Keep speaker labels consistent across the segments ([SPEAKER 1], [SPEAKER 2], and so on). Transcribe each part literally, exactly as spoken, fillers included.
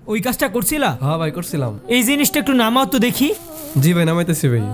[SPEAKER 1] ওই কাজটা করছিলা?
[SPEAKER 2] হ্যাঁ ভাই করছিলাম।
[SPEAKER 1] এই জিনিসটা একটু নামাও তো দেখি।
[SPEAKER 2] জি ভাই নামাইতেছি ভাই।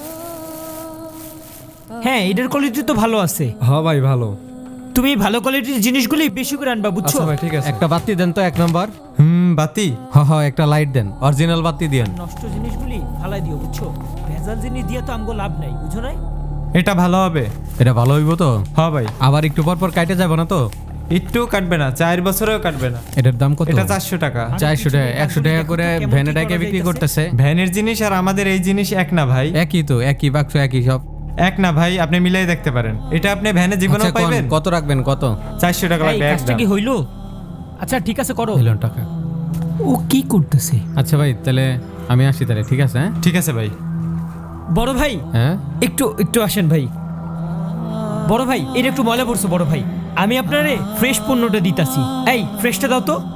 [SPEAKER 1] হ্যাঁ, এটার কোয়ালিটি তো ভালো আছে।
[SPEAKER 2] হ্যাঁ ভাই ভালো।
[SPEAKER 1] তুমি ভালো কোয়ালিটির জিনিসগুলি বেশি করে আনবা, বুঝছো?
[SPEAKER 2] আচ্ছা ভাই ঠিক আছে।
[SPEAKER 3] একটা বাতি দেন তো এক নাম্বার।
[SPEAKER 4] হুম বাতি
[SPEAKER 3] হ হ একটা লাইট দেন, অরিজিনাল বাতি দেন।
[SPEAKER 1] নষ্ট জিনিসগুলি ফালাই দিও, বুঝছো? ভেজাল জিনিস দিয়ে তো আমগো লাভ নাই, বুঝো নাই?
[SPEAKER 4] এটা ভালো হবে।
[SPEAKER 3] এটা ভালো হইব তো?
[SPEAKER 4] হ্যাঁ ভাই।
[SPEAKER 3] আবার একটু পর পর কাটে যাবে না তো?
[SPEAKER 4] একটু কাটবে না, চার বছরেও কাটবে না।
[SPEAKER 3] এটার দাম কত?
[SPEAKER 4] এটা চারশো টাকা।
[SPEAKER 3] চারশো টাকা একশো টাকা করে
[SPEAKER 1] কেমন কি
[SPEAKER 3] ভ্যানে
[SPEAKER 1] করা
[SPEAKER 3] ডাকে বিক্রি
[SPEAKER 1] যাইতেছে?
[SPEAKER 3] করতেছে।
[SPEAKER 4] ভ্যানের জিনিস আর আমাদের এই জিনিস এক না ভাই।
[SPEAKER 3] একই তো, একই বাক্স একই সব।
[SPEAKER 4] এক না ভাই, আপনি মিলাই দেখতে পারেন। এটা আপনি ভ্যানে জীবনেও
[SPEAKER 3] আচ্ছা, কোন-
[SPEAKER 4] পাইবেন।
[SPEAKER 3] কত রাখবেন কত?
[SPEAKER 4] চারশো টাকা
[SPEAKER 1] এই
[SPEAKER 4] লাগবে
[SPEAKER 1] কাজটা
[SPEAKER 4] একদম।
[SPEAKER 1] কি হইলো? আচ্ছা ঠিক আছে, করো।
[SPEAKER 3] মিলিয়ন টাকা।
[SPEAKER 1] ও কি করতেছে?
[SPEAKER 3] আচ্ছা ভাই তাহলে আমি আসি তাহলে, ঠিক আছে? হ্যাঁ
[SPEAKER 4] ঠিক আছে ভাই।
[SPEAKER 1] বড় ভাই
[SPEAKER 3] হ্যাঁ
[SPEAKER 1] একটু একটু আসেন ভাই। বড় ভাই এটা একটু ময়লা পড়ছে বড় ভাই, আমি আপনারে ফ্রেশ পণ্যটা দিতাছি। এই ফ্রেশটা দাও তো।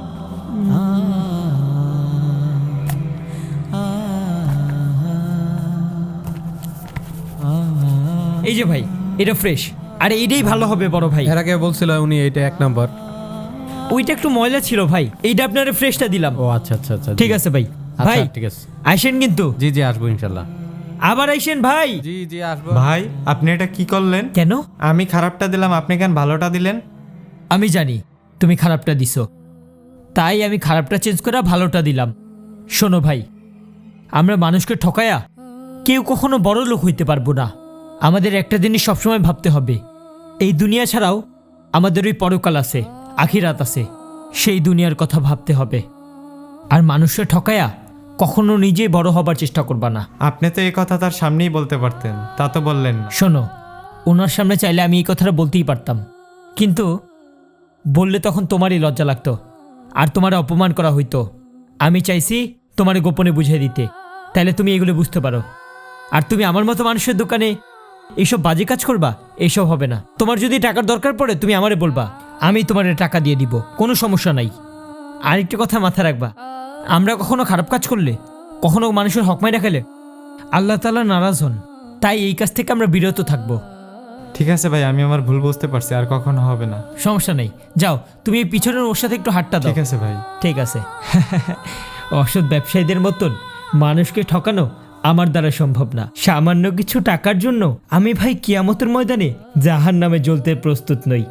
[SPEAKER 1] এই যে ভাই, এটা ফ্রেশ, আরে এটাই ভালো হবে বড় ভাই।
[SPEAKER 3] এর আগে বলছিল উনি এইটা এক নাম্বার।
[SPEAKER 1] ওইটা একটু ময়লা ছিল ভাই, এইটা আপনারে ফ্রেশটা দিলাম।
[SPEAKER 3] ও আচ্ছা আচ্ছা আচ্ছা
[SPEAKER 1] ঠিক আছে ভাই।
[SPEAKER 3] আচ্ছা,
[SPEAKER 1] ভাই
[SPEAKER 3] ঠিক আছে।
[SPEAKER 1] আইসেন কিন্তু,
[SPEAKER 3] জি জি আসবো ইনশাল্লাহ।
[SPEAKER 1] আবার আইসেন ভাই।
[SPEAKER 3] জি জি আসবো।
[SPEAKER 4] ভাই আপনি এটা কি করলেন?
[SPEAKER 1] কেন?
[SPEAKER 4] আমি খারাপটা দিলাম, আপনি কেন ভালোটা দিলেন?
[SPEAKER 1] আমি জানি তুমি খারাপটা দিছো, তাই আমি খারাপটা চেঞ্জ করে ভালোটা দিলাম। শোনো ভাই, আমরা মানুষকে ঠকায়া কেউ কখনো বড় লোক হইতে পারবো না। আমাদের একটা জিনিস সবসময় ভাবতে হবে, এই দুনিয়া ছাড়াও আমাদের ওই পরকাল আছে, আখিরাত আছে, সেই দুনিয়ার কথা ভাবতে হবে। আর মানুষকে ঠকায়া কখনো নিজেই বড় হবার চেষ্টা করবা না।
[SPEAKER 4] আপনি তো এই কথা তার সামনেই বলতে পারতেন, তা তো বললেন না।
[SPEAKER 1] শোনো, ওনার সামনে চাইলে আমি এই কথাটা বলতেই পারতাম, কিন্তু বললে তখন তোমারই লজ্জা লাগতো আর তোমার অপমান করা হইতো। আমি চাইছি তোমার গোপনে বুঝিয়ে দিতে, তাইলে তুমি এগুলো বুঝতে পারো। আর তুমি আমার মতো মানুষের দোকানে এইসব বাজে কাজ করবা, এইসব হবে না। তোমার যদি টাকার দরকার পড়ে তুমি আমারে বলবা, আমি তোমার টাকা দিয়ে দিব, কোনো সমস্যা নাই। আরেকটা কথা মাথায় রাখবা, আমরা কখনো খারাপ কাজ করলে, কখনো মানুষের হক মাইরা খেলে আল্লাহ তাআলা নারাজ হন, তাই এই কাজ থেকে আমরা বিরত থাকবো।
[SPEAKER 4] ঠিক আছে ভাই, আমি আমার ভুল বুঝতে পারছি, আর কখনো হবে না।
[SPEAKER 1] সমস্যা নেই, যাও তুমি এই পিছনের ওর সাথে একটু হাতটা দাও।
[SPEAKER 4] ঠিক আছে ভাই।
[SPEAKER 1] ঠিক আছে। অসৎ ব্যবসায়ীদের মতন মানুষকে ঠকানো আমার দ্বারা সম্ভব না। সামান্য কিছু টাকার জন্য আমি ভাই কিয়ামতের ময়দানে জাহান নামে জ্বলতে প্রস্তুত নই।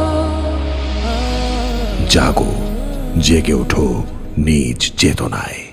[SPEAKER 5] জাগো, জেগে ওঠো নিজ চেতনায়।